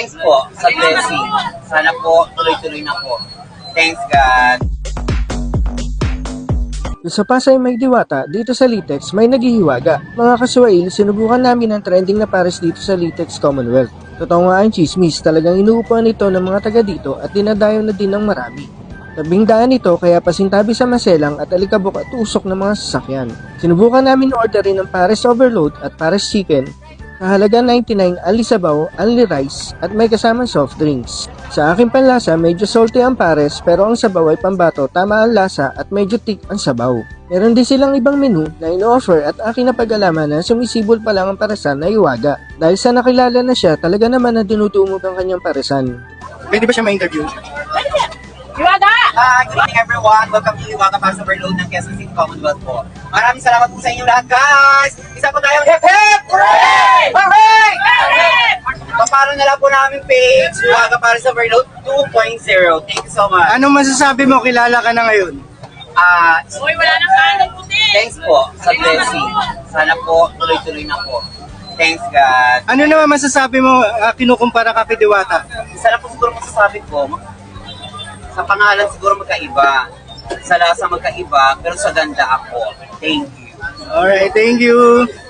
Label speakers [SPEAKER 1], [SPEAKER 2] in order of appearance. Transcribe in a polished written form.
[SPEAKER 1] Thanks po sa blessing. Sana po tuloy-tuloy na po. Thanks God.
[SPEAKER 2] Sa Pasay may diwata, dito sa Litex may naghihiwaga. Mga kasuwail, sinubukan namin ang trending na pares dito sa Litex Commonwealth. Totoo nga ang chismis, talagang inuupuan ito ng mga taga dito at dinadayo na din ng marami. Tabing daan ito kaya pasintabi sa maselang at alikabok at usok ng mga sasakyan. Sinubukan namin orderin ng pares overload at pares chicken sa halaga 99 only sabaw, only rice at may kasamang soft drinks. Sa aking panlasa, medyo salty ang pares pero ang sabaw ay pambato, tama ang lasa at medyo thick ang sabaw. Meron din silang ibang menu na ino-offer at aking napag-alaman na sumisibol pa lang ang paresan na iwaga. Dahil sa nakilala na siya, talaga naman na dinudumog ang kanyang paresan.
[SPEAKER 3] Pwede ba siya ma-interview?
[SPEAKER 4] Iwaga!
[SPEAKER 1] Good evening everyone. Welcome to Iwaga Pares Overload ng Quezon City Commonwealth po. Maraming salamat po sa inyo lahat guys. Isa po tayong hip hip! Hooray! Hooray! Paparo na lang po namin page Iwaga Pares Overload 2.0. Thank you so much.
[SPEAKER 3] Anong masasabi mo? Kilala ka na ngayon.
[SPEAKER 4] Uy, wala nang kanan puti!
[SPEAKER 1] Thanks po sa blessing. Sana po tuloy-tuloy na po. Thanks God.
[SPEAKER 3] Ano naman masasabi mo kinukumpara ka kay Diwata?
[SPEAKER 1] Isa lang po siguro masasabi ko, sa pangalan siguro magkaiba. Sa lasa magkaiba, pero sa ganda ako. Thank you.
[SPEAKER 3] Alright, thank you.